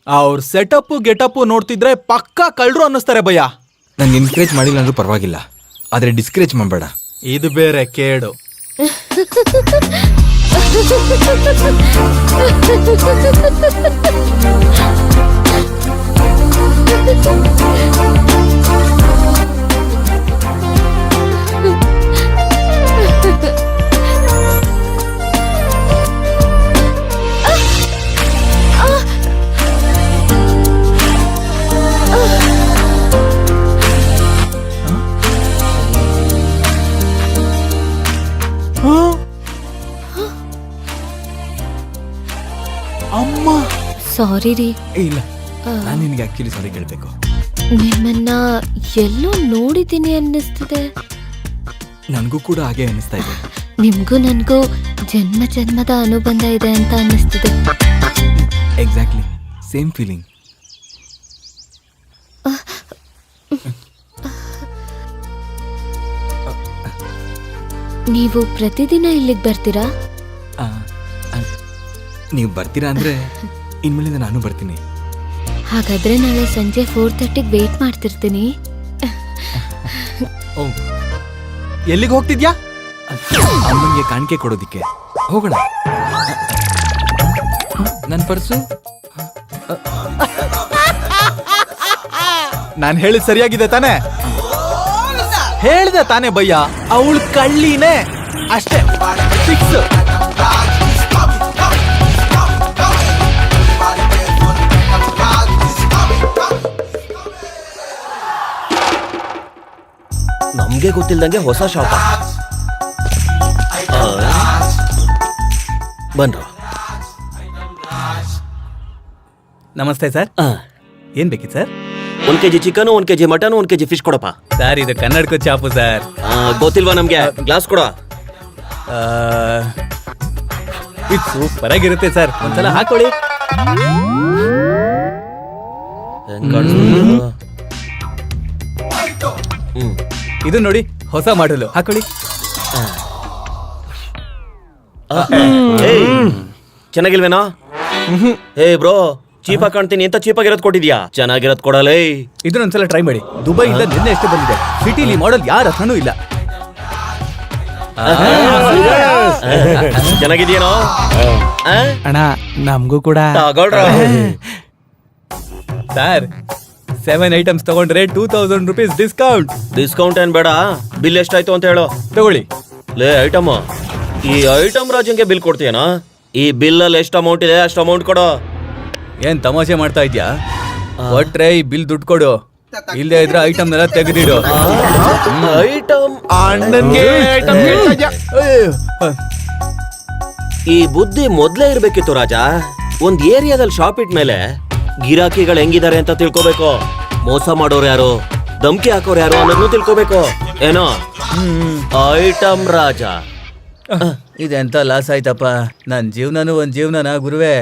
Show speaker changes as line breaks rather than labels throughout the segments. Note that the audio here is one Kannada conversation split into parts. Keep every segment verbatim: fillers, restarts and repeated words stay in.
ಅವ್ರ ಸೆಟಪ್ ಗೆಟಪ್ ನೋಡ್ತಿದ್ರೆ ಪಕ್ಕಾ ಕಳ್ರು ಅನ್ನಿಸ್ತಾರೆ ಭಯ್ಯ.
ನಂಗೆ ಎನ್ಕರೇಜ್ ಮಾಡಿಲ್ಲ ಅಂದ್ರೂ ಪರವಾಗಿಲ್ಲ, ಆದ್ರೆ ಡಿಸ್ಕರೇಜ್ ಮಾಡಬೇಡ.
ಇದು ಬೇರೆ ಕೇಡು. ಅಮ್ಮ
ಸಾರಿ ರೀ.
ಇಲ್ಲ, ನಾನು ನಿನಗೆ ಆಕ್ಚುಲಿ ಸಾರಿ ಕೇಳಬೇಕು.
ನಿಮ್ಮನ್ನ ಎಲ್ಲೋ ನೋಡಿದ್ದೀನಿ ಅನ್ನಿಸ್ತಿದೆ.
ನನಗೂ ಕೂಡ ಹಾಗೆ ಅನ್ನಿಸ್ತಾ ಇದೆ.
ನಿಮ್ಗೂ ನನ್ಗೂ ಜನ್ಮ ಜನ್ಮದ ಅನುಬಂಧ ಇದೆ ಅಂತ ಅನ್ನಿಸ್ತಿದೆ.
Exactly same feeling.
ನೀವು ಪ್ರತಿದಿನ ಇಲ್ಲಿಗೆ ಬರ್ತೀರಾ?
ನೀವು ಬರ್ತೀರಾ ಅಂದ್ರೆ ಇನ್ಮೇಲಿಂದ ನಾನು ಬರ್ತೀನಿ.
ಹಾಗಾದ್ರೆ ನಾಳೆ ಸಂಜೆ ಫೋರ್ ತರ್ಟಿಗೆ ವೇಟ್ ಮಾಡ್ತಿರ್ತೀನಿ.
ಓ, ಎಲ್ಲಿಗೆ ಹೋಗ್ತಿದ್ಯಾ?
ಅಮ್ಮನಿಗೆ ಕಾಣಿಕೆ ಕೊಡೋದಿಕ್ಕೆ ಹೋಗೋಣ. ನನ್ನ ಪರ್ಸು.
ನಾನು ಹೇಳಿದ್ ಸರಿಯಾಗಿದೆ ತಾನೇ? ಹೇಳ್ದೆ ತಾನೇ ಭಯ್ಯ, ಅವಳು ಕಳ್ಳಿನೇ ಅಷ್ಟೇ, ಫಿಕ್ಸ್.
ನಮ್ಗೆ ಗೊತ್ತಿಲ್ದಂಗೆ ಹೊಸ ಶಾಪ. ಬನ್ರೋ.
ನಮಸ್ತೆ ಸರ್. ಏನ್ ಬೇಕಿತ್ತು ಸರ್?
ಒಂದ್ ಕೆಜಿ ಚಿಕನ್, ಒಂದ್ ಕೆಜಿ ಮಟನ್, ಒಂದ್ ಕೆಜಿ ಫಿಶ್ ಕೊಡಪ್ಪ.
ಸರ್ ಇದು ಕನ್ನಡಕ ಚಾಪು ಸರ್.
ಗೊತ್ತಿಲ್ವಾ ನಮ್ಗೆ? ಗ್ಲಾಸ್ ಕೊಡ.
ಇದು ಸೂಪರ್ ಆಗಿರುತ್ತೆ ಸರ್, ಒಂದ್ಸಲ ಹಾಕೊಳ್ಳಿ. ಇದು ನೋಡಿ ಹೊಸ ಮಾಡಲು, ಹಾಕೊಳ್ಳಿ.
ಚೆನ್ನಾಗಿಲ್ವೇನೋ? ಏ ಬ್ರೋ, ಚೀಪ್ ಆಗಿ ಕಾಣ್ತೀನಿ ಅಂತ ಚೀಪ್ ಆಗಿರೋದ್ ಕೊಟ್ಟಿದ್ಯಾ? ಚೆನ್ನಾಗಿರೋದ್ ಕೊಡಲೇ.
ಇದನ್ನೊಂದ್ಸಲ ಟ್ರೈ ಮಾಡಿ. ದುಬೈಯಿಂದ ನಿನ್ನೆ ಎಷ್ಟೇ ಬಂದಿದೆ. ಸಿಟಿಲಿ ಮಾಡೆಲ್ ಯಾರ ಹತ್ರನೂ ಇಲ್ಲ.
ಚೆನ್ನಾಗಿದ್ಯೇನೋ
ಅಣ್ಣ? ನಮಗೂ ಕೂಡ ಸರ್. ಸೆವೆನ್ ಐಟಮ್ಸ್ ತಗೊಂಡ್ರೆ two thousand rupees discount.
Discount ಏನ್ ಬೇಡ, ಬಿಲ್ ಎಷ್ಟಾಯ್ತು ಅಂತ ಹೇಳು.
ತಗೊಳ್ಳಿ.
ಲೇ ಐಟಮ್, ಈ ಐಟಮ್ ರಾಜಂಗೆ ಬಿಲ್ ಕೊಡ್ತೀಯನಾ? ಈ ಬಿಲ್ ಅಲ್ಲಿ ಎಷ್ಟು ಅಮೌಂಟ್ ಇದೆ ಅಷ್ಟು ಅಮೌಂಟ್ ಕೊಡು.
ಏನ್ ತಮಾಷೆ ಮಾಡ್ತಾ ಇದ್ಯಾ? ಒಟ್ರೆ ಈ ಬಿಲ್ ದುಡ್ಡು ಕೊಡು, ಇಲ್ಲದೆ ಇದ್ರೆ ಐಟಮ್ ಎಲ್ಲ ತೆಗೆದಿಡು.
ಐಟಮ್
ಅಣ್ಣನ್ಗೆ
ಈ ಬುದ್ಧಿ ಮೊದ್ಲೇ ಇರ್ಬೇಕಿತ್ತು ರಾಜ. ಒಂದ್ ಏರಿಯಾದಲ್ಲಿ ಶಾಪ್ ಇಟ್ಮೇಲೆ ಗಿರಾಕಿಗಳು ಹೆಂಗಿದ್ದಾರೆ ಅಂತ ತಿಳ್ಕೊಬೇಕು. ಮೋಸ ಮಾಡೋರು ಯಾರು, ಧಮ್ಕಿ ಹಾಕೋರು ಯಾರು ಅನ್ನೋದನ್ನು ತಿಳ್ಕೊಬೇಕು. ಏನೋ ಐಟಮ್ ರಾಜ.
ಇದೆಂತ ಲಾಸ್ ಆಯ್ತಪ್ಪ. ನನ್ ಜೀವನನು ಒಂದ್ ಜೀವನನ ಗುರುವೆ.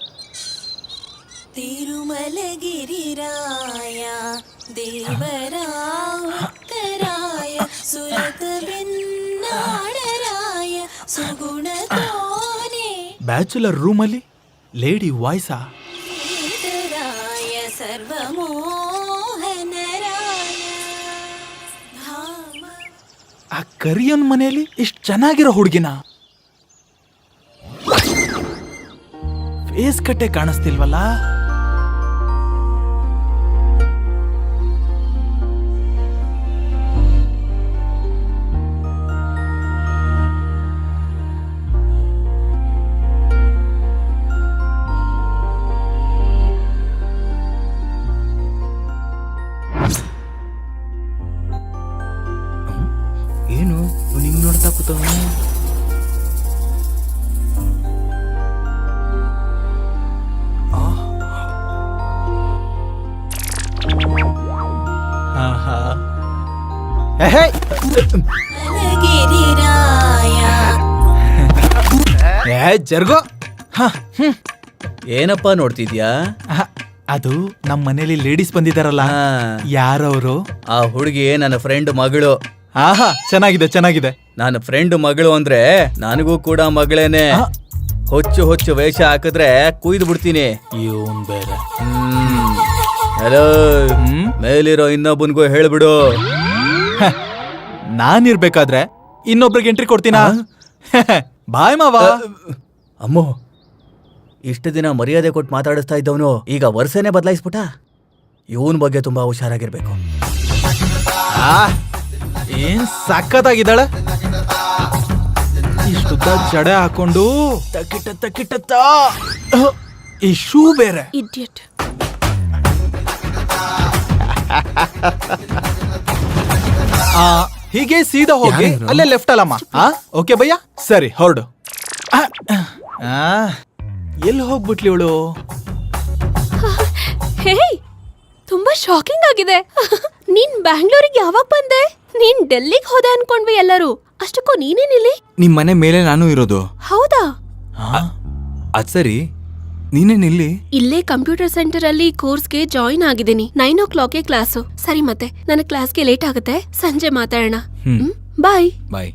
ತಿರುಮಲಗಿರಿರಾಯ ದೇವರ ಉತ್ತರಾಯ ಸುರತ ಬೆನ್ನಾಡರಾಯ ಸುಗುಣ ತೋನೆ
ಬ್ಯಾಚುಲರ್ ರೂಮಲ್ಲಿ ಲೇಡಿ ವಾಯ್ಸಾ? ಆ ಕರಿಯನ್ ಮನೆಯಲ್ಲಿ ಇಷ್ಟು ಚೆನ್ನಾಗಿರೋ ಹುಡುಗಿನ ಫೇಸ್ ಕಟ್ಟೆ ಕಾಣಿಸ್ತಿಲ್ವಲ್ಲ?
ಏನು ನಿಂಗೆ ನೋಡ್ತಾ ಕೂತವನು?
ಜರ್ಗೋ. ಏನಪ್ಪಾ ನೋಡ್ತಿದ್ಯಾ? ಅದು ನಮ್ಮ ಮನೇಲಿ ಲೇಡೀಸ್ ಬಂದಿದಾರಲ್ಲ, ಯಾರವರು? ಆ ಹುಡುಗಿ ನನ್ನ ಫ್ರೆಂಡ್ ಮಗಳು. ಆಹಾ, ಚೆನ್ನಾಗಿದೆ ಚೆನ್ನಾಗಿದೆ. ನನ್ನ ಫ್ರೆಂಡ್ ಮಗಳು ಅಂದ್ರೆ ನನಗೂ ಕೂಡ ಮಗಳೇನೆ. ಹೊಚ್ಚು ಹೊಚ್ಚು ವೇಷ ಹಾಕಿದ್ರೆ ಕುಯ್ದು ಬಿಡ್ತೀನಿ ಇವನ್ ಬೇರೆ. ಹಲೋ, ಮೇಲಿರೋ ಇನ್ನೊಬ್ಬನ್ಗೂ ಹೇಳ್ಬಿಡು. ನಾನಿರ್ಬೇಕಾದ್ರೆ ಇನ್ನೊಬ್ರಿಗೆ ಎಂಟ್ರಿ ಕೊಡ್ತೀನಾ? ಬಾಯ್ ಮಾವ. ಅಮ್ಮೋ, ಇಷ್ಟು ದಿನ ಮರ್ಯಾದೆ ಕೊಟ್ಟು ಮಾತಾಡಿಸ್ತಾ ಇದ್ದವನು ಈಗ ವರ್ಷನೇ ಬದಲಾಯಿಸ್ಬಿಟ್ಟ. ಇವನ್ ಬಗ್ಗೆ ತುಂಬಾ ಹುಷಾರಾಗಿರ್ಬೇಕು. ಏನ್ ಸಖತ್ತಾಗಿದ್ದಾಳೆ. ಇಷ್ಟುದ್ದ ಜಡೆ ಹಾಕೊಂಡು ತಕಿಟ ತಕಿಟ ಈ ಶೂ ಬೇರೆ.
ಇಡಿಯಟ್.
ಆ, ಹೀಗೆ ಸೀದಾ ಹೋಗಿ ಅಲ್ಲೇ ಲೆಫ್ಟ್ ಅಲ್ಲಮ್ಮ. ಓಕೆ ಭಯ್ಯ, ಸರಿ ಹೊರಡು. ಎಲ್ಲಿ ಹೋಗ್ಬಿಟ್ಲಿ ಇವಳು?
ಹೇ, ತುಂಬಾ ಶಾಕಿಂಗ್ ಆಗಿದೆ. ನೀನ್ ಬ್ಯಾಂಗ್ಳೂರಿಗೆ ಯಾವಾಗ ಬಂದೆ? ನೀನ್ ಡೆಲ್ಲಿಗೆ ಹೋದೆ ಅನ್ಕೊಂಡ್ವಿ ಎಲ್ಲರೂ. ಅಷ್ಟಕ್ಕೂ ನೀನೇನಿಲ್ಲಿ?
ನಿಮ್ ಮನೆ ಮೇಲೆ ನಾನು ಇರೋದು.
ಹೌದಾ?
ಅದ್ ಸರಿ, ನೀನೇನಿಲ್ಲಿ?
ಇಲ್ಲೇ ಕಂಪ್ಯೂಟರ್ ಸೆಂಟರ್ ಅಲ್ಲಿ ಕೋರ್ಸ್ಗೆ ಜಾಯಿನ್ ಆಗಿದ್ದೀನಿ. ನೈನ್ ಓ ಕ್ಲಾಕ್ಗೆ ಕ್ಲಾಸು. ಸರಿ, ಮತ್ತೆ ನನ್ನ ಕ್ಲಾಸ್ಗೆ ಲೇಟ್ ಆಗುತ್ತೆ, ಸಂಜೆ ಮಾತಾಡೋಣ. ಬಾಯ್
ಬಾಯ್.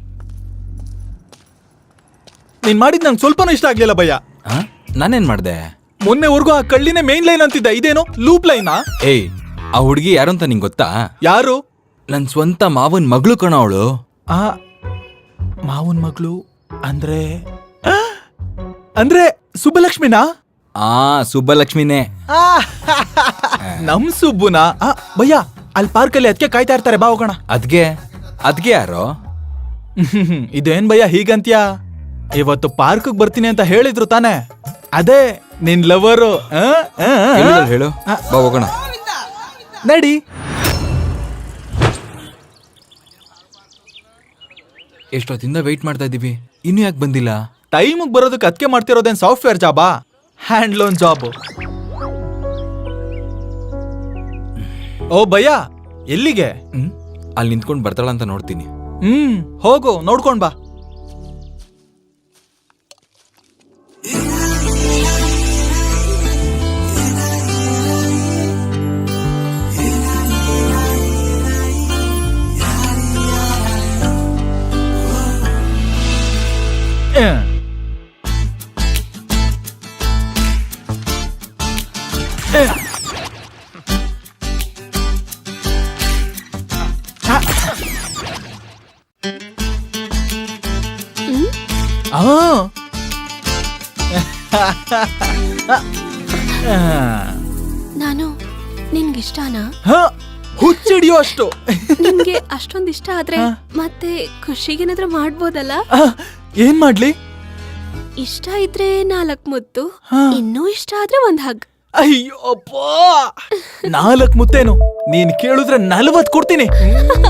ನೀನ್ ಮಾಡಿದ್ ನಂಗೆ ಸ್ವಲ್ಪನೂ ಇಷ್ಟ ಆಗ್ಲಿಲ್ಲ ಭಯ್ಯ.
ನಾನೇನ್ ಮಾಡ್ದೆ?
ಮೊನ್ನೆವರೆಗೂ ಆ ಕಳ್ಳಿನೇ ಮೇನ್ ಲೈನ್ ಅಂತಿದ್ದ, ಇದೇನು ಲೂಪ್ ಲೈನಾ?
ಏಯ್, ಆ ಹುಡುಗಿ ಯಾರು ಅಂತ ನಿಂಗ್ ಗೊತ್ತಾ?
ಯಾರು?
ನನ್ ಸ್ವಂತ ಮಾವನ್ ಮಗಳು ಕಣ ಅವಳು.
ಆ ಮಾವನ್ ಮಗಳು ಅಂದ್ರೆ ಆ, ಅಂದ್ರೆ ಸುಬ್ಬಲಕ್ಷ್ಮಿನಾ?
ಆ ಸುಬ್ಬಲಕ್ಷ್ಮಿನೇ.
ನಮ್ ಸುಬ್ಬುನಾ? ಆ, ಭಯ್ಯ, ಅಲ್ಲಿ ಪಾರ್ಕ್ ಅಲ್ಲಿ ಅದಕ್ಕೆ ಕಾಯ್ತಾ ಇರ್ತಾರೆ, ಬಾ ಹೋಗೋಣ.
ಅದ್ಗೆ ಅದ್ಗೆ ಯಾರೋ?
ಇದೇನ್ ಭಯ್ಯ ಹೀಗಂತ್ಯಾ? ಇವತ್ತು ಪಾರ್ಕ್ ಬರ್ತೀನಿ ಅಂತ ಹೇಳಿದ್ರು ತಾನೆ? ಅದೇ ನಿನ್ ಲವರು.
ಹೇಳಿದ್ರು, ಹೇಳು. ಬಾ ಹೋಗೋಣ.
ನಡಿ.
ಎಷ್ಟೊತ್ತಿಂದ ವೆಯ್ಟ್ ಮಾಡ್ತಾ ಇದೀವಿ, ಇನ್ನು ಯಾಕೆ ಬಂದಿಲ್ಲ?
ಟೈಮಿಗೆ ಬರೋದಕ್ಕೆ ಅದಕ್ಕೆ ಮಾಡ್ತಿರೋದೇನ್ ಸಾಫ್ಟ್ವೇರ್ ಜಾಬಾ? Hand loan job. ಓ ಭಯ್ಯ, ಎಲ್ಲಿಗೆ?
ಹ್ಮ್ ಅಲ್ಲಿ ನಿಂತ್ಕೊಂಡು ಬರ್ತಾಳ ಅಂತ ನೋಡ್ತೀನಿ.
ಹ್ಮ್ ಹೋಗು, ನೋಡ್ಕೊಂಡ್ ಬಾ.
ನಾನು ನಿನ್ಗಿಷ್ಟನಾ?
ಹುಚ್ಚಿಡಿಯೋ ಅಷ್ಟು.
ನಿನ್ಗೆ ಅಷ್ಟೊಂದ್ ಇಷ್ಟ ಆದ್ರೆ ಮತ್ತೆ ಖುಷಿಗೇನಾದ್ರೂ ಮಾಡ್ಬೋದಲ್ಲ?
ಏನ್ ಮಾಡ್ಲಿ?
ಇಷ್ಟ ಇದ್ರೆ ನಾಲ್ಕ್ ಮುತ್ತು, ಇನ್ನೂ ಇಷ್ಟ ಆದ್ರೆ ಒಂದ್ ಹಗ್.
ಅಯ್ಯೋ ಅಪ್ಪ, ನಾಲ್ಕ್ ಮುತ್ತೇನು? ನೀನ್ ಕೇಳಿದ್ರೆ ನಲ್ವತ್ ಕೊಡ್ತೀನಿ.